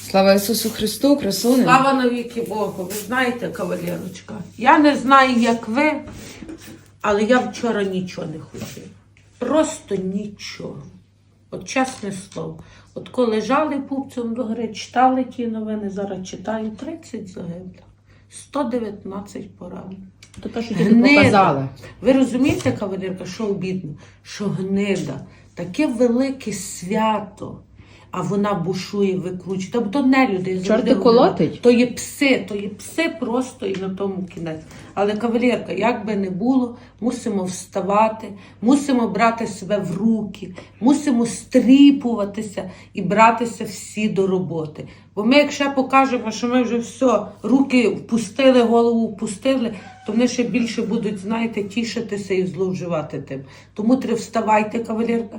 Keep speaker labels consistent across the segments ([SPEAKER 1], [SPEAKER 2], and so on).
[SPEAKER 1] Слава Ісусу Христу, красуне.
[SPEAKER 2] Слава навіки Богу. Ви знаєте, кавалерочка, я не знаю, як ви, але я вчора нічого не хотіла. Просто нічого. От чесне слово. От коли лежали пупцем до гори, читали ті новини, зараз читаю, 30 загиблих, 119 поранених.
[SPEAKER 1] То те, що тобі показали.
[SPEAKER 2] Ви розумієте, кавалерка, що обідно? Що гнида. Таке велике свято, а вона бушує, викручує. Тобто то не люди.
[SPEAKER 1] Чорти колотить?
[SPEAKER 2] То є пси просто і на тому кінець. Але, кавалерка, як би не було, мусимо вставати, мусимо брати себе в руки, мусимо стріпуватися і братися всі до роботи. Бо ми, якщо покажемо, що ми вже все, руки впустили, голову впустили, то вони ще більше будуть, знаєте, тішитися і зловживати тим. Тому треба вставайте, кавалерка.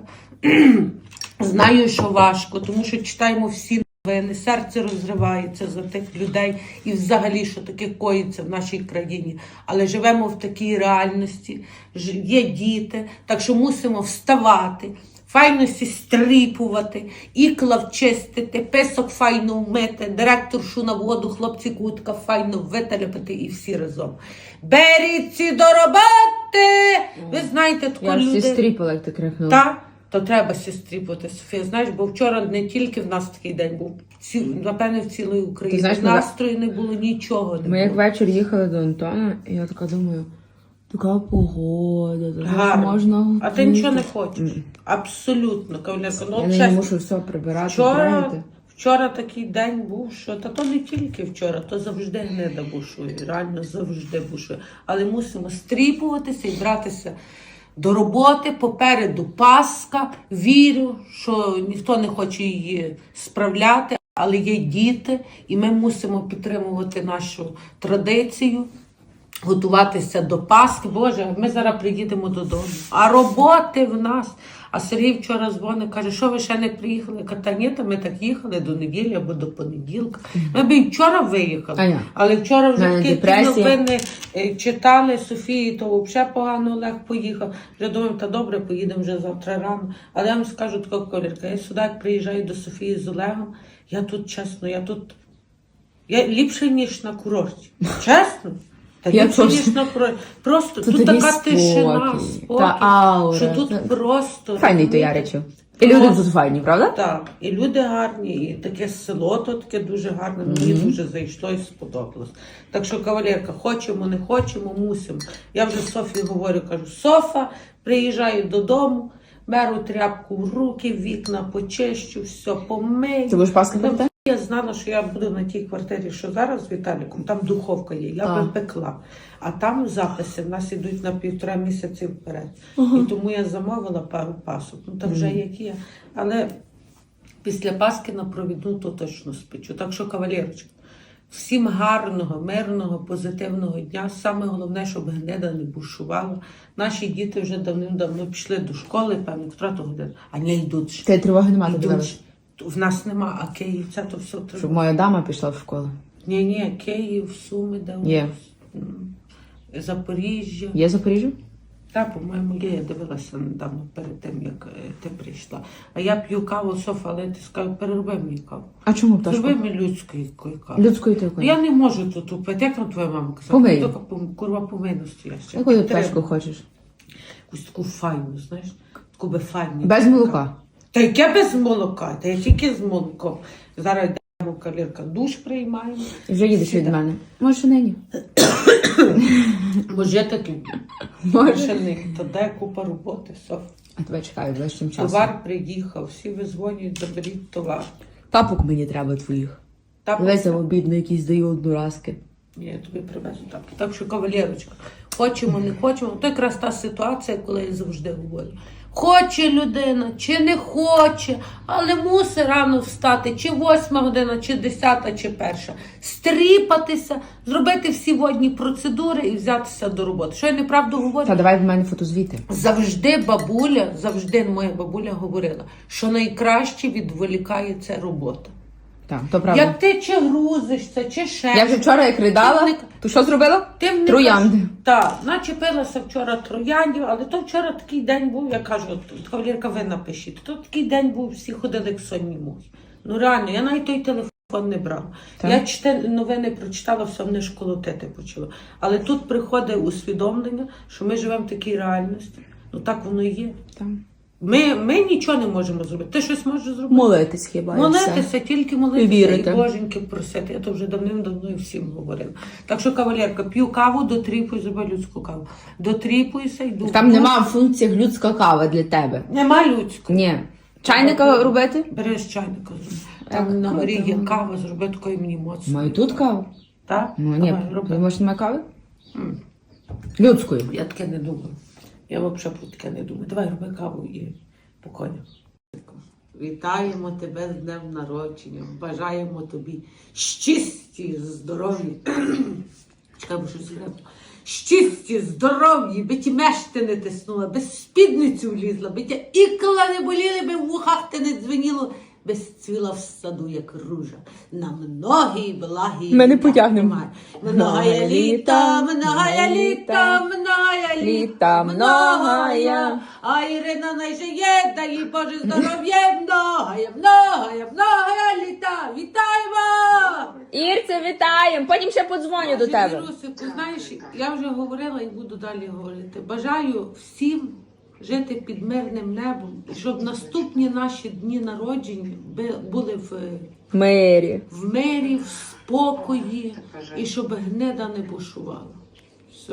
[SPEAKER 2] Знаю, що важко, тому що читаємо всі новини, серце розривається за тих людей і взагалі, що таке коїться в нашій країні. Але живемо в такій реальності, є діти, так що мусимо вставати, файно стріпувати, ікла вчистити, песок файно вмити, директоршу на воду, хлопці кутка файно виталяпати і всі разом. Беріться до роботи! Ви знаєте, таку
[SPEAKER 1] Я
[SPEAKER 2] люди...
[SPEAKER 1] всі стріпала, як ти крикнула.
[SPEAKER 2] Так, то треба стріпати, Софія. Знаєш, бо вчора не тільки в нас такий день був, напевне, в цілій Україні.
[SPEAKER 1] Знаєш,
[SPEAKER 2] настрою не було, нічого не було.
[SPEAKER 1] Ми як вечір їхали до Антона, і я така думаю, така погода, тут
[SPEAKER 2] Гарно.
[SPEAKER 1] можна...
[SPEAKER 2] А ти нічого не хочеш? Абсолютно, кавалерка. Ну,
[SPEAKER 1] Я не
[SPEAKER 2] чесно,
[SPEAKER 1] мушу все прибирати, правити.
[SPEAKER 2] вчора такий день був, що... Та то не тільки вчора, то завжди гнида бушує, реально завжди бушує. Але мусимо стріпуватися і братися до роботи, попереду Пасха. Вірю, що ніхто не хоче її справляти, але є діти, і ми мусимо підтримувати нашу традицію, готуватися до Пасхи. Боже, ми зараз приїдемо додому. А роботи в нас. А Сергій вчора дзвонив, каже, що ви ще не приїхали? Я кажу, та ні, ми так їхали до неділі або до понеділка. Ми б і вчора виїхали. Але вчора вже такі новини читали Софії, то взагалі погано Олег поїхав. Вже думаю, та добре, поїдемо вже завтра рано. Але я вам скажу таку колірка, я сюди як приїжджаю до Софії з Олегом, я тут, чесно, я ліпше, ніж на курорті. Чесно. Та ліпше, ніж на курорті. Просто тут така тишина, спокій, що тут просто...
[SPEAKER 1] Файний то Яричів. І люди тут файні, правда?
[SPEAKER 2] Так, і люди гарні, і таке село то таке дуже гарне, мені дуже зайшло і сподобалось. Так що, кавалерка, хочемо, не хочемо, мусимо. Я вже Софії говорю, кажу, Софа, приїжджаю додому, беру тряпку в руки, вікна почищу, все помию.
[SPEAKER 1] Ти будеш Пасхи пекти?
[SPEAKER 2] Я знала, що я буду на тій квартирі, що зараз з Віталіком, там духовка є, я би пекла. А там записи в нас йдуть на 1,5 місяці вперед. І тому я замовила пару пасок. Ну, там вже як є. Але після Пасхи на провідну то точно спечу. Так що, кавалерочка, всім гарного, мирного, позитивного дня. Саме головне, щоб гнида не бушувала. Наші діти вже давним-давно пішли до школи, певно, котра то година, а не йдуть.
[SPEAKER 1] Ти тривоги немає, ти дивилась?
[SPEAKER 2] В нас нема, а Київ, це то все треба.
[SPEAKER 1] Щоб моя дама пішла в школу.
[SPEAKER 2] Ні, Київ, Суми, де у
[SPEAKER 1] Є.
[SPEAKER 2] нас? Запоріжжя.
[SPEAKER 1] Є Запоріжжя?
[SPEAKER 2] Так, по-моєму, є. Я дивилася недавно перед тим, як ти прийшла. А я п'ю каву, Софа, але ти скажу, перероби мені каву.
[SPEAKER 1] А чому пташку?
[SPEAKER 2] Перероби мені людської кави.
[SPEAKER 1] Людської ти якої?
[SPEAKER 2] Я не можу тут упити. Як нам твоя мама казала?
[SPEAKER 1] Помий.
[SPEAKER 2] Тільки курва помийно стояща.
[SPEAKER 1] Яку ти пташку хочеш?
[SPEAKER 2] Якусь таку файну, знаєш? Таку би файну.
[SPEAKER 1] Без молока?
[SPEAKER 2] Та яке без молока? Та я тільки з молоком. Зараз йдемо, кавалерка, душ приймаємо.
[SPEAKER 1] І вже їдеш від мене. Може, нині?
[SPEAKER 2] Може, я так люблю. Може, то де купа роботи, Соф.
[SPEAKER 1] А тебе чекаю ближчим часом.
[SPEAKER 2] Товар приїхав, всі визвонюють, заберіть товар.
[SPEAKER 1] Тапок мені треба твоїх. Дивися, обідно, якісь даю одноразки.
[SPEAKER 2] Ні, я тобі привезу тапки. Так що, кавалерочка, хочемо, не хочемо. То якраз та ситуація, коли я завжди говорю. Хоче людина, чи не хоче, але мусить рано встати, чи 8 година, чи 10, чи 1. Стріпатися, зробити всі водні процедури і взятися до роботи. Що я неправду говорю?
[SPEAKER 1] Та давай в мене фотозвіти.
[SPEAKER 2] Завжди моя бабуля говорила, що найкраще відволікає це робота.
[SPEAKER 1] Так, то правда.
[SPEAKER 2] Як ти чи грузишся, чи ще.
[SPEAKER 1] Я вже вчора як ридала, то що зробила? Троянди.
[SPEAKER 2] Так, начепилася вчора трояндів, але то вчора такий день був, я кажу, кавалерка, ви напишіть, то такий день був, всі ходили як сонні мухи. Ну реально, я навіть той телефон телефон не брала.
[SPEAKER 1] Так.
[SPEAKER 2] Я новини прочитала, все мене ж колотити почало. Але тут приходить усвідомлення, що ми живемо в такій реальності. Ну так воно і є.
[SPEAKER 1] Там.
[SPEAKER 2] Ми нічого не можемо зробити. Ти щось можеш зробити?
[SPEAKER 1] Молитись хіба і все.
[SPEAKER 2] Молитися, тільки молитися
[SPEAKER 1] Вірити.
[SPEAKER 2] і боженьки просити. Я то вже давним-давно і всім говорила. Так що, кавалерка, п'ю каву, дотріпуй, зроби людську каву. Дотріпуйся, йду.
[SPEAKER 1] Там нема функції людська кава для тебе.
[SPEAKER 2] Нема людського.
[SPEAKER 1] Ні. Чайника робити?
[SPEAKER 2] Бери з чайника.
[SPEAKER 1] Так,
[SPEAKER 2] Там на горі є
[SPEAKER 1] круто.
[SPEAKER 2] кава, зроби такої мені моцно.
[SPEAKER 1] Маю тут каву?
[SPEAKER 2] Так?
[SPEAKER 1] Ну, ні,
[SPEAKER 2] Давай, роби.
[SPEAKER 1] ти може немає кави? Людської.
[SPEAKER 2] Я таке не думаю. Я взагалі про таке не думаю. Давай, роби каву і по конях. Вітаємо тебе з днем народження. Бажаємо тобі щасті, здоров'я. Чекай, бо щось гребно. Щасті, здоров'я, би ті мешти не тиснула, би спідницю влізла, би тя ікла не боліли, би в вухах ти не дзвеніло, би цвіла в саду, як ружа. На многі благі.
[SPEAKER 1] Ми не потягнемо.
[SPEAKER 2] Многая літа, многая літа, многая літа, многая. А Ірина найжиє, дай їй Боже здоров'я, многая літа. Вітаємо!
[SPEAKER 1] Ірце, вітаємо! Потім ще подзвоню до тебе.
[SPEAKER 2] Вірусику, знаєш, я вже говорила і буду далі говорити. Бажаю всім жити під мирним небом, щоб наступні наші дні народження були в
[SPEAKER 1] Мирі.
[SPEAKER 2] в спокої, і щоб гнида не бушувала. Все.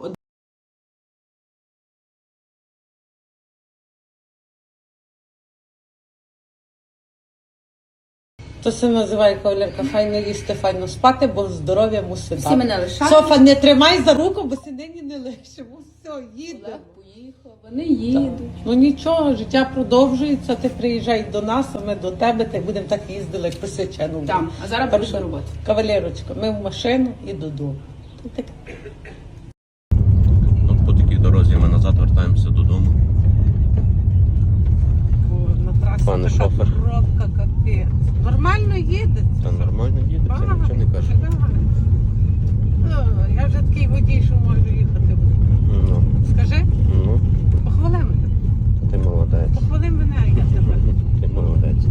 [SPEAKER 2] То се називає кавалерка, файно їсти, файно спати, бо здоров'я мусить дати.
[SPEAKER 1] Всі мене лишають.
[SPEAKER 2] Софа, не тримай за руку, бо си нині не лишимо. Все, їде.
[SPEAKER 1] Поїхав, вони їдуть.
[SPEAKER 2] Ну нічого, життя продовжується, ти приїжджай до нас, а ми до тебе, та й будемо так їздили, як посичену.
[SPEAKER 1] Там, а зараз
[SPEAKER 2] Так
[SPEAKER 1] буду
[SPEAKER 2] що,
[SPEAKER 1] до роботи.
[SPEAKER 2] Кавалерочка, ми в машину і додому. Тут таке.
[SPEAKER 3] От по такій дорозі ми назад вертаємося додому.
[SPEAKER 2] На трасі
[SPEAKER 3] Пане
[SPEAKER 2] така
[SPEAKER 3] шофер.
[SPEAKER 2] пробка, капець. Нормально їде.
[SPEAKER 3] Та нормально їде, це нічого не каже.
[SPEAKER 2] Я вже такий водій, що можу їхати.
[SPEAKER 3] Ну,
[SPEAKER 2] Скажи,
[SPEAKER 3] ну,
[SPEAKER 2] похвали мене.
[SPEAKER 3] ти молодець.
[SPEAKER 2] Похвали мене, а я тебе.
[SPEAKER 3] Ти молодець.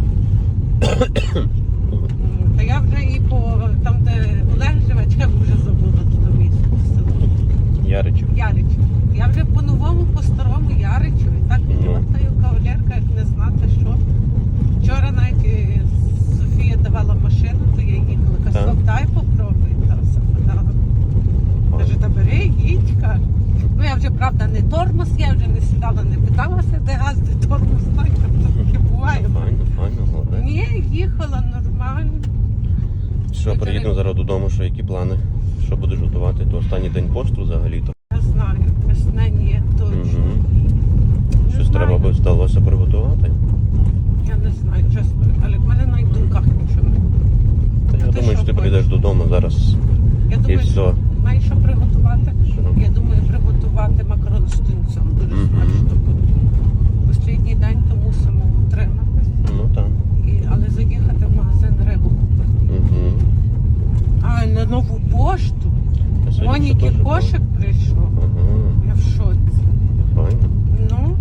[SPEAKER 2] Та я вже і по там, де Олег живе, я вже забула туди місце. село.
[SPEAKER 3] Яричу.
[SPEAKER 2] Яричу. Я вже по-новому, по-старому Яричу. І так відмотаю кавалерка, як не знати, що. Вчора навіть Софія давала машину, то я їхала. Каже,
[SPEAKER 3] Так.
[SPEAKER 2] «Соф, дай попробуй. Та Софа дала. Каже, та бери, їдь, каже. Ну я вже, правда, не тормоз, я вже не сідала, не питалася, де газ, де тормоз, так, тобто таке буває.
[SPEAKER 3] Файно, молодець.
[SPEAKER 2] Ні, їхала нормально.
[SPEAKER 3] Що, приїдемо зараз додому, що які плани? Що будеш готувати? То останній день посту взагалі-то.
[SPEAKER 2] Я знаю, весна ні, точно.
[SPEAKER 3] Угу.
[SPEAKER 2] Не
[SPEAKER 3] Щось
[SPEAKER 2] знаю.
[SPEAKER 3] треба би вдалося приготувати.
[SPEAKER 2] Я не знаю, чесно, але в мене навіть в думках нічого.
[SPEAKER 3] Та я
[SPEAKER 2] ти
[SPEAKER 3] думаю,
[SPEAKER 2] що
[SPEAKER 3] що ти
[SPEAKER 2] хочеш?
[SPEAKER 3] прийдеш додому зараз
[SPEAKER 2] Я
[SPEAKER 3] і
[SPEAKER 2] думаю,
[SPEAKER 3] все.
[SPEAKER 2] що маєш що приготувати.
[SPEAKER 3] Що?
[SPEAKER 2] Я думаю, приготувати макарон з тунцем. Дуже
[SPEAKER 3] Мгм.
[SPEAKER 2] смачно буде. Останній день то мусимо утриматися.
[SPEAKER 3] Ну так.
[SPEAKER 2] Але заїхати в магазин рибу купити.
[SPEAKER 3] Угу.
[SPEAKER 2] А на нову пошту.
[SPEAKER 3] Я сьогодні
[SPEAKER 2] Моніки
[SPEAKER 3] ще теж
[SPEAKER 2] кошик прийшов.
[SPEAKER 3] Ага,
[SPEAKER 2] Я в шоці.
[SPEAKER 3] файно.
[SPEAKER 2] Ну,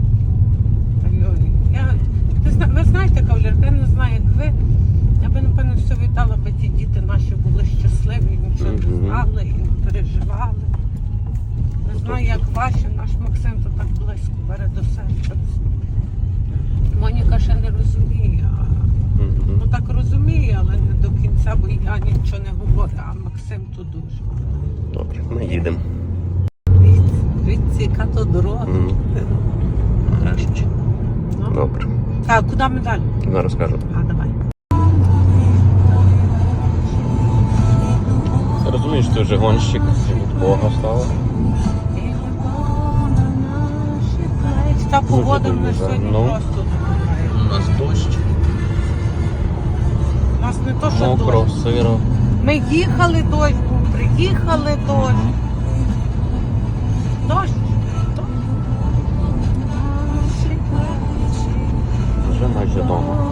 [SPEAKER 2] ви знаєте, кавалерка, я не знаю, як ви. Я би, напевно, все вітала, би ті діти наші були щасливі, нічого не
[SPEAKER 3] Мгм.
[SPEAKER 2] знали і не переживали. Не знаю, як ваші, наш Максим то так близько бере до серця. Моніка ще не розуміє,
[SPEAKER 3] Угу.
[SPEAKER 2] ну так розуміє, але не до кінця, бо я нічого не говорю, а Максим то дуже.
[SPEAKER 3] Добре, ми їдемо.
[SPEAKER 2] Дивіться, яка то дорога.
[SPEAKER 3] Мгм. Нарешті.
[SPEAKER 2] Ну.
[SPEAKER 3] Добре.
[SPEAKER 2] Так, куди ми далі?
[SPEAKER 3] Зараз кажу.
[SPEAKER 2] А, давай.
[SPEAKER 3] Ти розумієш, ти вже гонщик від Бога стала.
[SPEAKER 2] Та погода в нас
[SPEAKER 3] дуже
[SPEAKER 2] сьогодні
[SPEAKER 3] гарно.
[SPEAKER 2] просто.
[SPEAKER 3] У нас дощ,
[SPEAKER 2] У нас не то, що
[SPEAKER 3] мокро,
[SPEAKER 2] дощ.
[SPEAKER 3] сиро.
[SPEAKER 2] Ми їхали дощ, був, приїхали дощ. Дощ.
[SPEAKER 3] Вже майже вдома.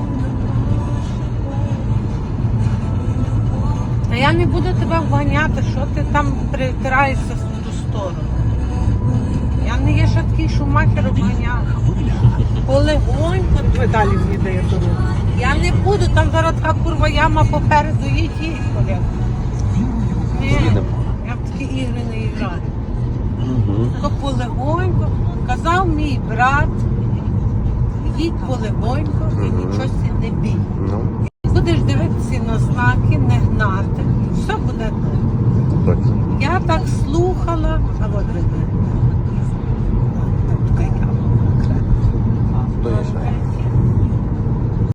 [SPEAKER 2] Та я не буду тебе вганяти, що ти там притираєшся в ту сторону. Я не є ще такий шумахер обганяв. Полегонько.
[SPEAKER 4] Ви далі мені дає дорогу.
[SPEAKER 2] Я не буду, там зараз така курва яма попереду, їдь, колега. Ні,
[SPEAKER 3] Їдемо.
[SPEAKER 2] я в такі ігри не граю.
[SPEAKER 3] Угу.
[SPEAKER 2] То полегонько, казав мій брат, їдь полегонько і нічого сі не